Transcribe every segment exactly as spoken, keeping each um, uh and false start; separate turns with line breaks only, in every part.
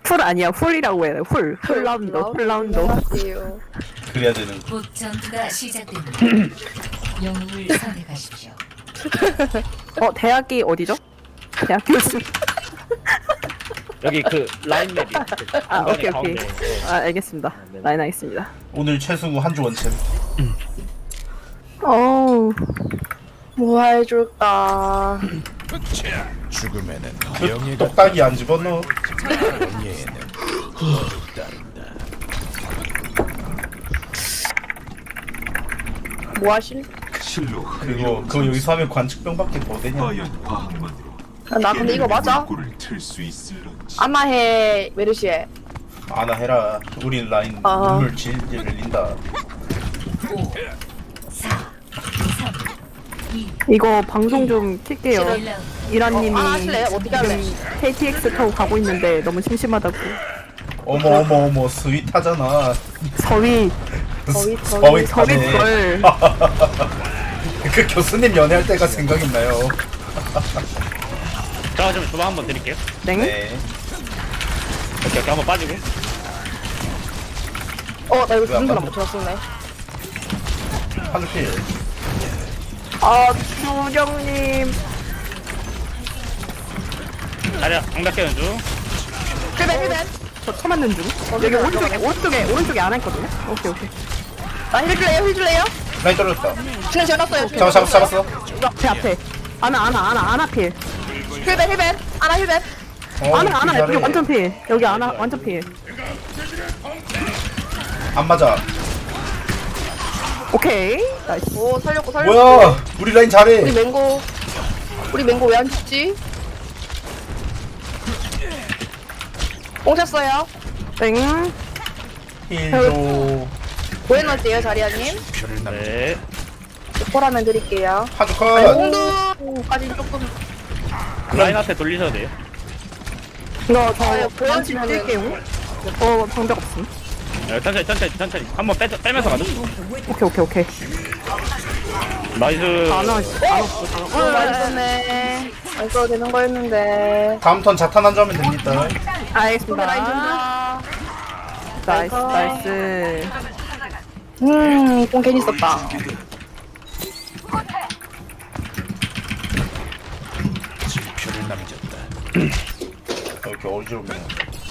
풀 아니야 훌이라고 해요. 훌. 훌라운드. 훌라운드.
안녕하세요.
그래야 되는 거.
곧 전투가 시작됩니다. 영웅을 선택하십시오.
어 대학이 어디죠? 대학 교수.
여기 그 라인 맵이
아 오케이 오케이.
가운데.
아 알겠습니다.
네.
라인 하겠습니다.
오늘 최승우 한주 원챔.
어우.
뭐 해줄까?
죽음에는
그
명예가
똑딱이 안 집어넣어.
예는
뭐 하실?
그리고 그거 여기서 하면 관측병밖에 더 되냐?
아, 나 근데 이거 맞아? 아마해 메르시에.
아나 해라. 우린 라인
아.
눈물 질질 흘린다.
이거 방송 좀 킬게요.
일 라운드.
이란님이
아 하실래요? 어떻게 할래?
케이티엑스 타고 가고 있는데 너무 심심하다고.
어머 어머 어머 스윗하잖아.
서위
거의
서윗
서위
하네.
걸.
그 교수님 연애할 때가 생각있나요?
자, 좀 주방 한번 드릴게요.
땡.
네.
오케이, 오케이, 한번 빠지고.
어, 나 이거
왜안
무슨 사람
맞아?
못 찾았었네.
한주 필.
아 주정님.
자리야, 방벽 깨는 중.
힐벤 힐벤.
저 쳐맞는 중. 여기 오른쪽에 오른쪽에 오른쪽에 안 했거든요. 오케이 오케이.
나힐 줄래요? 힐 줄래요?
라인 떨어졌다.
그냥 지어놨어요.
잡아 잡았어 잡았어.
앞에 앞에. 아나 아나 아나 아나 필.
힐벤 힐벤. 아나 힐벤.
어,
아나 아나
잘해.
여기 완전 필. 여기 아나 완전 필.
안 맞아.
오케이. 나이스.
오 살렸고 살렸고.
뭐야? 우리 라인
우리
잘해.
맹고. 우리 맹고 왜 안 죽지? 꽁쳤어요.
땡.
힐도
고해놨대요 자리아님.
네.
포라면 드릴게요.
한주
아니,
컷.
홍두까지 조금.
라인한테 돌리셔도 돼요.
이거
아유,
저 반칙
보여주면은-
뛸게요. 어 방벽 없음.
네, 천천히, 천천히, 천천히. 한번 빼, 빼면서 가자.
오케이 오케이 오케이.
나이스.
아나 아나 없어.
어, 맛있었네. 안 써도 되는 거였는데.
다음 턴 자탄 한주 하면 됩니다.
손에
알겠습니다.
라인 준다.
나이스
아이고.
나이스.
음, 꽁 괜히 썼다.
표를 남겼다.
이렇게 어지럽네.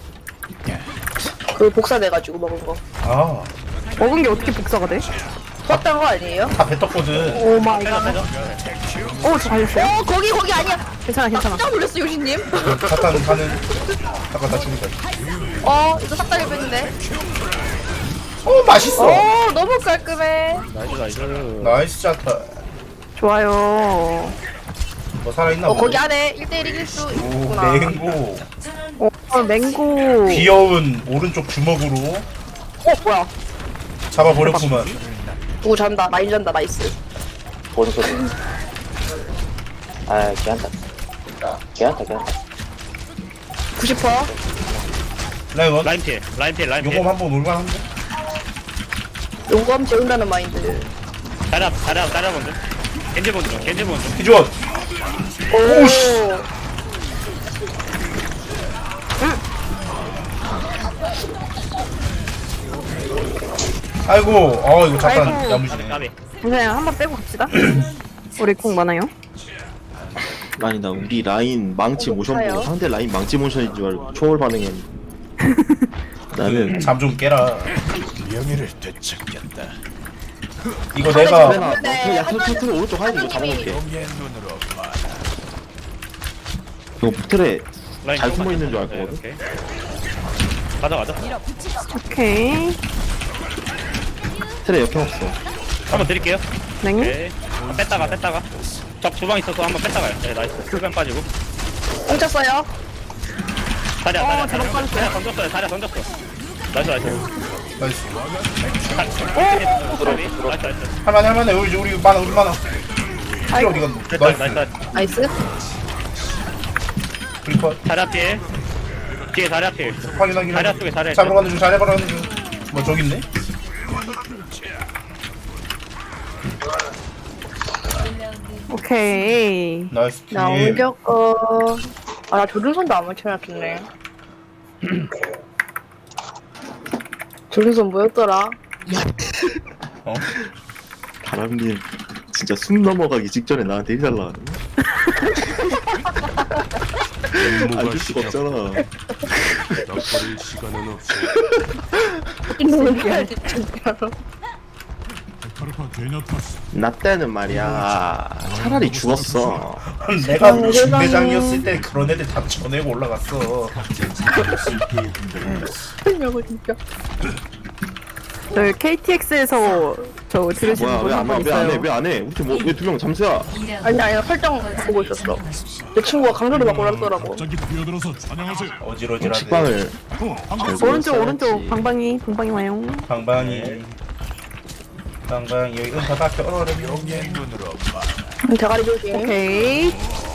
그 복사돼가지고 먹은 거.
아,
먹은 게 어떻게 복사가 돼?
썼던 거 아니에요?
다 뱉었거든.
오 마이 갓. 오저 걸렸어요?
어, 거기, 거기 아니야.
괜찮아 괜찮아.
깜짝 놀랐어, 요시님.
자탄 가는. 잠깐 나 죽는다.
어, 이거 싹다 해봤는데.
어 맛있어.
어, 너무 깔끔해.
나이스, 나이스.
나이스 자탄.
좋아요.
뭐 살아있나
어,
보네.
거기 안에 일 대일 이길 수
오
있구나.
맹고.
어 맹고.
귀여운 오른쪽 주먹으로
어 뭐야?
잡아버렸구만.
누구 잔다, 라인 잔다, 나이스.
뭔 소리? 아, 걔한테. 걔한테, 걔한테.
구십 퍼.
라이원
라인 피해, 라인 피해, 라인 피해.
요거 한번 올만한데?
용검 재운다는 마인드.
자리야, 자리야, 자리야 먼저. 겐지 먼저, 겐지 먼저.
기존. 오씨. 아이고, 어 이거 잠깐
아이고.
야무지네.
까비.
그냥 한번 빼고 갑시다. 우리 공 많아요.
아니 나 우리 라인 망치
어,
모션
높아요.
보고 상대 라인 망치 모션인 줄 알고 초월 반응했는데 나는
잠 좀 깨라.
명예를 되찾겠다.
이거
상대
내가
주변에
나 그냥 야타 터트려 오른쪽 하이드 이거 잡아놓을게.
명예의 눈으로 봐.
이거 틀에
라인
잘
조금만
숨어 있는 줄
네,
알거든.
오케이. 가자, 가자.
오케이.
틀에 역행 없어.
한번 드릴게요.
맹.
오케이. 한번 뺐다가, 뺐다가. 적 주방 있어서 한번 뺐다가요. 네, 나이스. 풀변 빠지고.
꽁쳤어요.
자리야,
어,
자리야,
잘못
자리야.
빠졌어요.
자리야 던졌어요, 자리야 던졌어. 나이스, 나이스.
나이스.
오! 나이스, 나이스.
할만해 할만해. 우리 우리 많아 우리 많아. 필 어디가?
됐다,
나이스.
나이스, 나이스.
나이스.
브리퍼
자리야 피해. 뒤에 자리야 피해.
확인하기.
자리야 쪽에 자리야
잡으러 가는 중 잘해보러 가는 중. 뭐 저기 있네?
오케이.
나이스
나
팀.
옮겼고. 아, 나 조준선도 안 맞춰놨겠네. 둘이서 뭐였더라?
어?
바람님 진짜 숨 넘어가기 직전에 나한테 일 달라는. 안줄 수가 없잖아.
넉거릴 시간은 없어.
이놈을 해야지 진짜로.
카르파 되냐 탔어.
나 때는 말이야 차라리 죽었어.
내가 중대장이었을 때 그런 애들 다 쳐내고 올라갔어.
하냐고 진짜.
저 케이티엑스에서 저 들으시는
뭐야
분
왜
한
안
분
해? 왜 안 해?
있어요.
왜 안 해? 우리 뭐왜 두 명 잠수야?
아니 아니 설정 보고 있었어. 내 친구가 강조를 받고 그러더라고.
갑자기 뛰어들어서 찬양하세요.
어지러지라네.
식빵을
오른쪽 오른쪽 방방이 방방이 와요.
방방이. 방방이 여기 은사 밖에 얼어르면.
영의 눈으로 봐.
음, 대가리 조심.
오케이.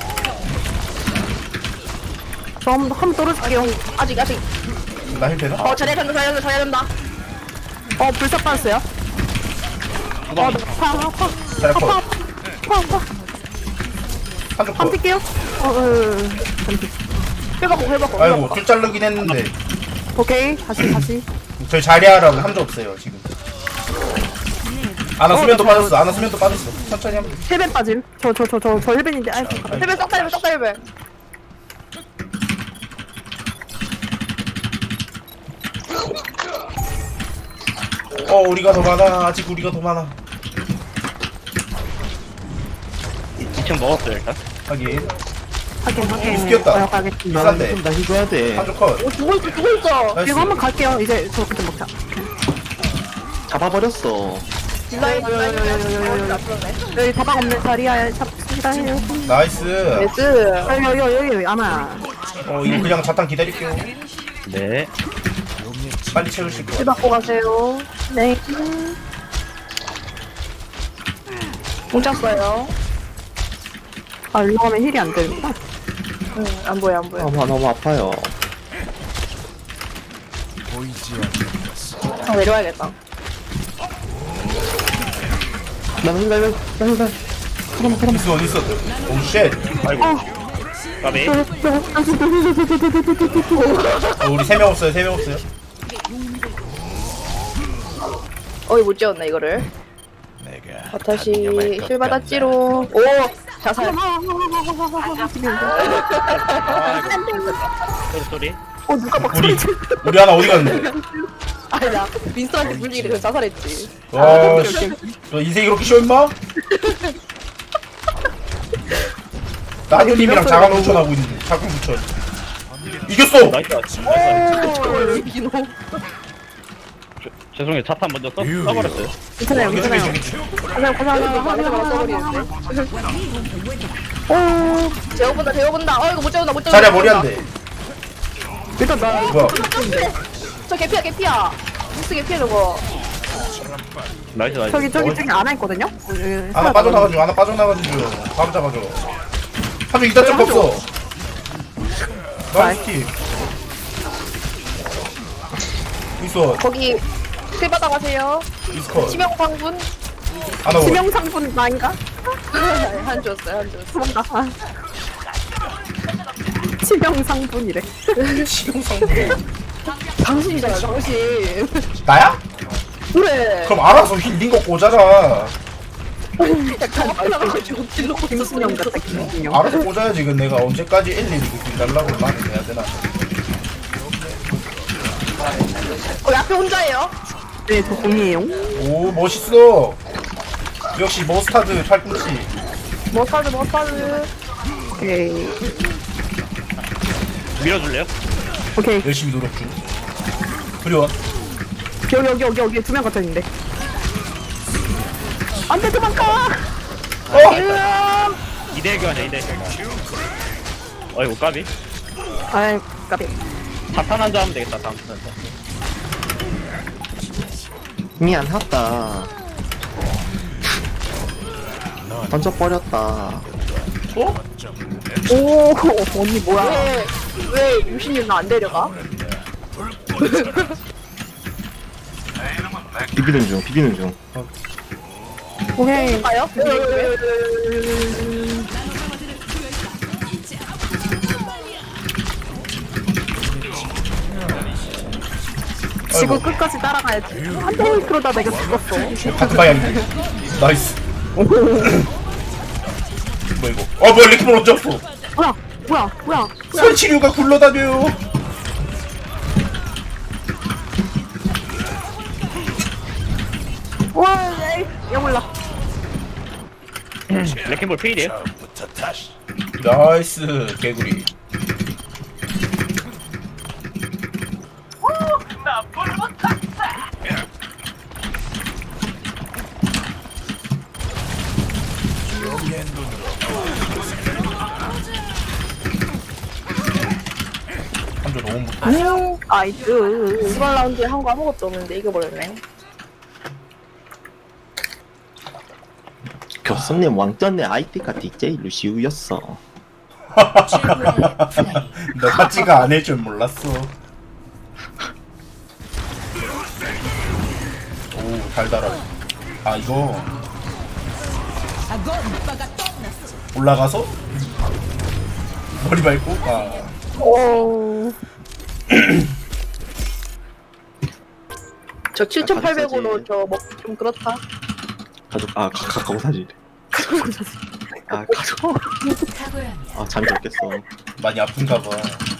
저 한번 한번 떨어질게요.
아직 아직.
나힐 되나?
어 잘해야 된다 잘해야 된다 잘해야 된다.
어 불사 빠졌어요. 어, 파, 파, 파,
잘할
파,
거.
파, 파, 파.
한쪽
한
거.
뛸게요. 어, 어,
해봤고 해봤고.
아이고 줄 자르긴 했는데
오케이. 다시, 다시.
저희 자리하라고 함도 없어요 지금. 아나 수면도 빠졌어. 아나 수면도 빠졌어. 천천히 하면 돼.
힐벤 빠짐. 저, 저, 저, 저, 저 힐벤인데. 아이고.
해배 싹다 해배 싹다 해배.
어 우리가 더 많아. 아직 우리가 더 많아.
이 층 먹었어요 일단.
하긴
확인, 확인.
웃겼다.
어, 가겠습니다.
비싼데.
나 해줘야 돼.
한쪽 컷.
오 죽어 있어 죽어 있어.
나이스.
이거 한번 갈게요. 이제 저 그때 먹자.
잡아버렸어.
딜라인 딜라인 딜라인. 나쁘네.
여기 다방 없는 자리야. 잡습니다. 해요.
나이스.
네스.
여기, 여기, 여기, 여기, 아마.
어 이거 그냥 자탄 기다릴게요.
네.
빨리 채우실 거.
딜 받고 가세요.
네.
뭉쳤어요.
아, 일로 가면 힐이 안 되는구나.
응안 보여 안 보여.
너무 너무 아파요.
보이지 않는
아 내려와야겠다.
나 힐, 나 힐, 나 힐, 나 힐.
있어 어디 있어? 오 쉣.
아이고. 까비.
어, 우리 세 명 없어요. 세 명 없어요.
어이 못 지웠네 이거를.
내가
아, 다시
양념할 것
실 받았지로. 오 자살.
소리 소리.
어, 누가 막
우리
소리 지
우리 하나 어디 갔는데?
아니 나 민스한테 물리기 그래서 자살했지.
와 씨. 너 인생이 그렇게 쉬워 임마? 나누님이랑 자강 붙여나고 있는데 자강 붙여. 이겼어.
나이스.
오 민호.
죄송해요. 차탄 먼저 써, 써버렸어요.
괜찮아요, 괜찮아요.
그냥 고생하는 거 안에서 바로 써버리는데. 오 재워본다 재워본다. 어 이거 못 재운다 못 재운다.
자리야 머리 안 돼.
일단 나
뭐야?
저 개피야 개피야. 미스 개피야 저거.
나이스 나이스.
저기, 저기, 저기 안 했거든요?
하나 빠져나가지고 하나 빠져나가지고 바로 잡아줘. 한명 이단 점 없어. 나이스 킥. 있어.
거기 실 받아가세요.
이스컷.
치명상분.
하나 올.
치명상분 아닌가?
한 줬어요 한 줬어.
도망가. 아. 치명상분이래.
당신이잖아 당신.
나야?
그래.
그럼 알아서 힐링 거 꽂아라.
약간 말라가지고 딜로
김순영 같다, 김순영.
알아서 꽂아야지. 그 내가 언제까지 엘리를 길 달라고 말을 해야 되나?
어 앞에 혼자예요.
네, 저 공이에요.
오 멋있어. 역시 머스타드 팔꿈치.
머스타드 머스타드.
오케이.
밀어줄래요?
오케이.
열심히 노력 중. 그리워.
여기, 여기, 여기, 여기 두 명 갇혀있는데. 안 돼, 도망가!
어!
이대 교환이야 이대. 어이구 까비.
아이, 까비.
차탄 한잔 하면 되겠다 다음 턴.
미안하다. 던져버렸다.
어?
오, 언니 뭐야.
왜왜 유신이 나안 데려가?
비비는 중, 비비는 중.
오케이.
가요?
지구
아이고.
끝까지 따라가야지. 안 돼, 그러다 내가 죽었어.
다크바이안데 나이스. 뭐 이거? 어 뭐야 레키몬 언제 왔어?
뭐야, 뭐야, 뭐야.
설치류가 굴러다녀요.
와, 에이, 야 몰라.
레킹볼 필이에요.
나이스 개구리. 한조 너무 못.
안녕.
아이스.
이번 라운드에 한 거 아무것도 없는데 이겨버렸네.
교수님 왕전의 아이디가 디제이 루시우였어.
최고의 플레이.
너 하지가 안 할 줄 몰랐어. 오 달달하네. 아 이거 올라가서 머리 밟고 아
오. 저 칠천팔백으로 저 먹기 좀 그렇다.
가족 아 가- 가까운 사진. 아 가족.
탁월합니다.
아 잠이 졌겠어.
많이 아픈가 봐.